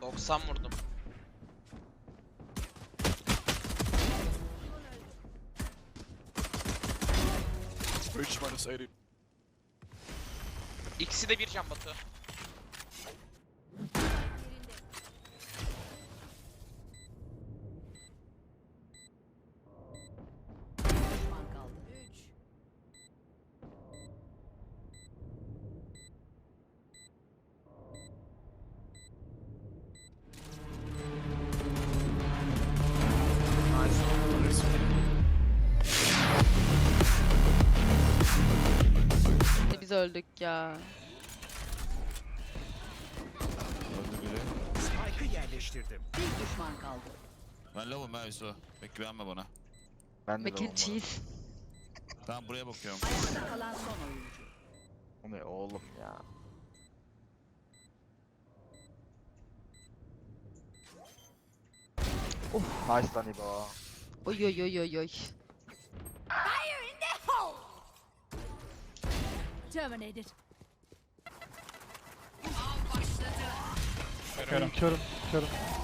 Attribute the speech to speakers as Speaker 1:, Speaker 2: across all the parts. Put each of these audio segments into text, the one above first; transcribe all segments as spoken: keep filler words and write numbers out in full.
Speaker 1: doksan vurdum.
Speaker 2: üç minus elli.
Speaker 1: İkisi de bir can Batu.
Speaker 3: Biz öldük ya.
Speaker 4: Spike'ı yerleştirdim.
Speaker 5: Bir düşman kaldı.
Speaker 6: Ben lavım ha Yusuf. Bek güvenme bana.
Speaker 2: Ben de
Speaker 3: Mac and cheese.
Speaker 6: Tamam buraya bakıyorum.
Speaker 5: Ayakta kalan son oyuncu.
Speaker 2: O ne oğlum ya. Oh, nice lan İbo.
Speaker 3: Oy oy oy oy oy.
Speaker 5: Terminated.
Speaker 7: Körüm, körüm, körüm.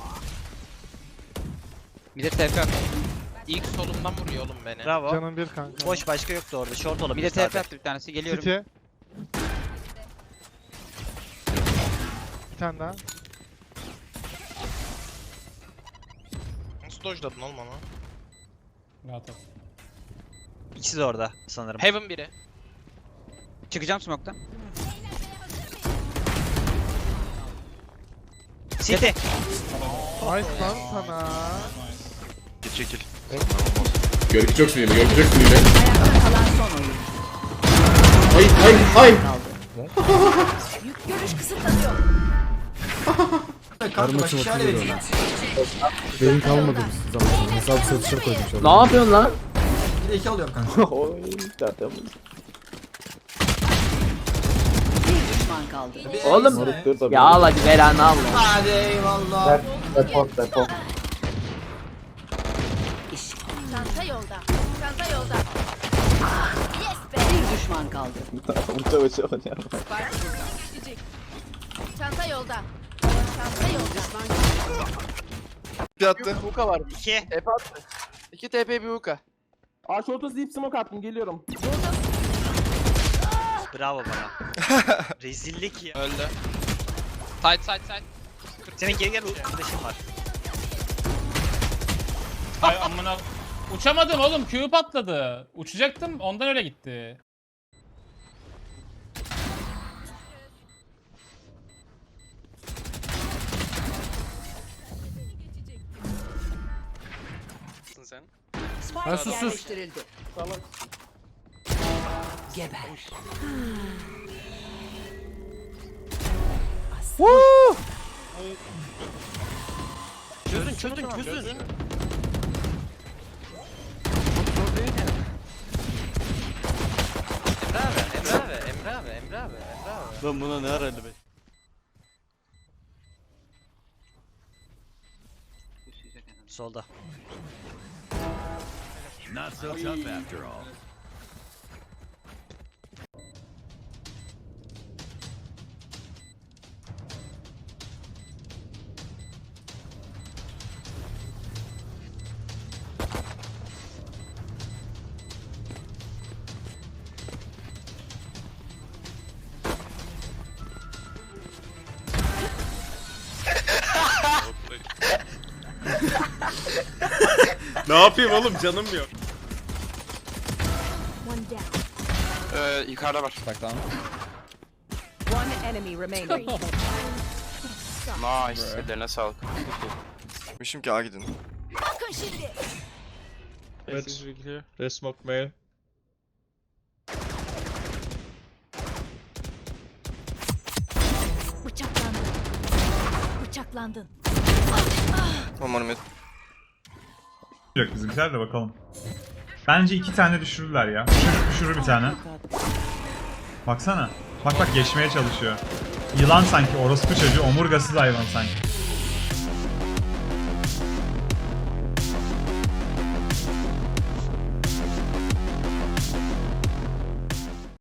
Speaker 1: Bir de T P. İlk solumdan vuruyor oğlum beni.
Speaker 7: Bravo. Canım bir kanka.
Speaker 8: Boş, başka yoktu orada. Short olabilir.
Speaker 1: Bir de T P
Speaker 8: sadece.
Speaker 1: attı bir tanesi. Geliyorum.
Speaker 7: City. Bir tane daha.
Speaker 1: Nasıl dojladın oğlum onu?
Speaker 7: Rahat ol.
Speaker 8: İkisi de orada sanırım.
Speaker 1: Heaven biri.
Speaker 8: Çıkacağım smoke'tan. City.
Speaker 7: Nice lan sana.
Speaker 2: Git çekil.
Speaker 9: Görgü çok sinirli, görgü çok sinirli.
Speaker 5: Ayakta kalan son oyuncu.
Speaker 9: Ay ay ay.
Speaker 5: Yük görüş kısıtlanıyor.
Speaker 10: Karmaşık şöyle benim kalmadı bu zaman. Hesap satışa koydum şu an.
Speaker 8: Ne yapıyorsun lan?
Speaker 10: Bir de iki alıyorum kanka.
Speaker 5: Bir düşman kaldı.
Speaker 8: Oğlum. Ya al hadi ver anı al.
Speaker 10: Hadi eyvallah.
Speaker 2: Depot depot.
Speaker 5: Çanta yolda. Çanta yolda. Yes be. Bir düşman kaldı. Çanta yolda. Çanta yolda.
Speaker 2: Bir attı.
Speaker 1: Hookah var.
Speaker 8: İki.
Speaker 1: T P attı. İki T P bir hookah.
Speaker 7: Aa short'a deep smoke attım geliyorum.
Speaker 8: Bravo bana. Rezillik ya.
Speaker 1: Öldü. Side side side.
Speaker 8: Senin geri gel arkadaşın var.
Speaker 7: Ay amına. Uçamadım oğlum, Q patladı. Uçacaktım, ondan öyle gitti.
Speaker 1: Sen.
Speaker 5: Spike
Speaker 7: sus, sus.
Speaker 5: yerleştirildi. Geber.
Speaker 1: Çözün çözün çözün. Emre abi, Emre abi, Emre abi, Emre abi, Emre abi.
Speaker 6: Ben buna ne ara elli beş?
Speaker 8: Solda.
Speaker 4: Not so tough after all.
Speaker 9: Ne yapayım oğlum, canım yok.
Speaker 1: Ee, yukarıda var.
Speaker 5: One enemy remaining.
Speaker 1: Nice. Ellerine sağlık.
Speaker 2: Mişim ki A gidin.
Speaker 5: Bakın şimdi.
Speaker 6: Red smoke mail.
Speaker 5: Bıçaklandın. Bıçaklandın.
Speaker 1: Umarım et.
Speaker 7: Yok bizimkiler de bakalım. Bence iki tane düşürürler ya. Düşürür, düşürür bir tane. Baksana. Bak bak geçmeye çalışıyor. Yılan sanki, orospu çocuğu, omurgasız hayvan sanki.